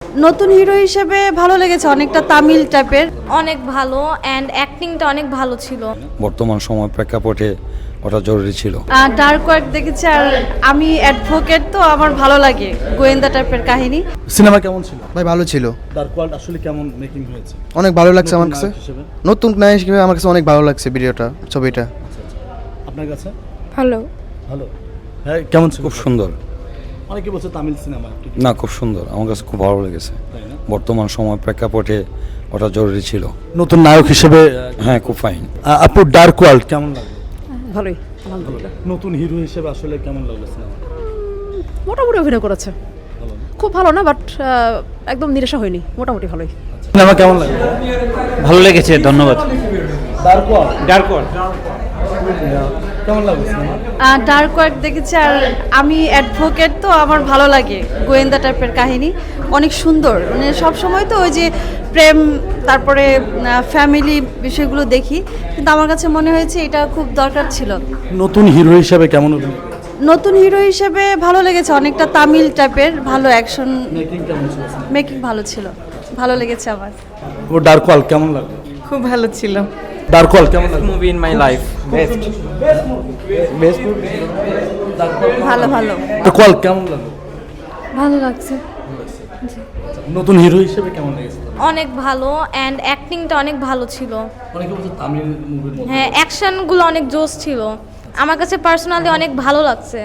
নতুন হিরো হিসেবে ভালো লেগেছে, অনেকটা তামিল টাইপের। অনেক ভালো অ্যান্ড অ্যাক্টিংটা অনেক ভালো ছিল। বর্তমান সময় প্রেক্ষাপটে ওটা জরুরি ছিল। ডার্ক ওয়ার্ক দেখেছি, আর আমি অ্যাডভোকেট, তো আমার ভালো লাগে গোয়েন্দা টাইপের কাহিনী। সিনেমা কেমন ছিল? ভাই ভালো ছিল, ডার্ক ওয়ার্ল্ড আসলে কেমন মেকিং হয়েছে? অনেক ভালো লাগছে আমার নতুন কাছে। নায়ক হিসেবে? নতুন নায়ক হিসেবে আমার কাছে অনেক ভালো লাগছে ভিডিওটা, ছবিটা। আপনার কাছে ভালো। ভালো? হ্যাঁ, কেমন ছিল? খুব সুন্দর। অনেকে বলছে তামিল সিনেমা, না, খুব সুন্দর, আমার কাছে খুব ভালো লেগেছে। তাই না? বর্তমান সময় প্রেক্ষাপটে ওটা জরুরি ছিল। নতুন নায়ক হিসেবে হ্যাঁ, খুব ফাইন। আপু ডার্ক ওয়ার্ল্ড কেমন লাগলো? ভালোই, আলহামদুলিল্লাহ। নতুন হিরো হিসেবে আসলে কেমন লাগলো সিনেমা? মোটামুটি অভিনয় করেছে, ভালো না? খুব ভালো না, বাট একদম নিরাশা হয়নি, মোটামুটি ভালোই। সিনেমা কেমন লাগলো? ভালো লেগেছে, ধন্যবাদ। ডার্ক ওয়ার্ল্ড ডার্ক ওয়ার্ল্ড কেমন লাগলো সিনেমা? ডার্ক ওয়ার্ক দেখেছি, আর আমি অ্যাডভোকেট, তো আমার ভালো লাগে গোয়েন্দা টাইপের কাহিনী। অনেক সুন্দর, মানে সব সময় তো ওই যে প্রেম, তারপরে ফ্যামিলি বিষয়গুলো দেখি, কিন্তু আমার কাছে মনে হয়েছে এটা খুব দরকার ছিল। নতুন হিরো হিসেবে কেমন অভিনয়? নতুন হিরো হিসেবে ভালো লেগেছে, অনেকটা তামিল টাইপের, ভালো অ্যাকশন, মেকিং কেমন ছিল? মেকিং ভালো ছিল, ভালো লেগেছে আমার। ও ডার্ক ওয়ার্ল্ড কেমন লাগলো? খুব ভালো ছিল। ডার্ক ওয়ার্ল্ড কেমন লাগলো? Movie in my life, best. ভালো ভালো ডার্ক ওয়ার্ল্ড কেমন লাগলো? ভালো লাগছে। নতুন হিরো হিসেবে কেমন লেগেছে? অনেক ভালো অ্যান্ড অ্যাক্টিংটা অনেক ভালো ছিল। অনেকে বলছে তামিল মুভির মতো। হ্যাঁ, অ্যাকশনগুলো অনেক জোস ছিল। আমার কাছে পার্সোনালি অনেক ভালো লাগছে।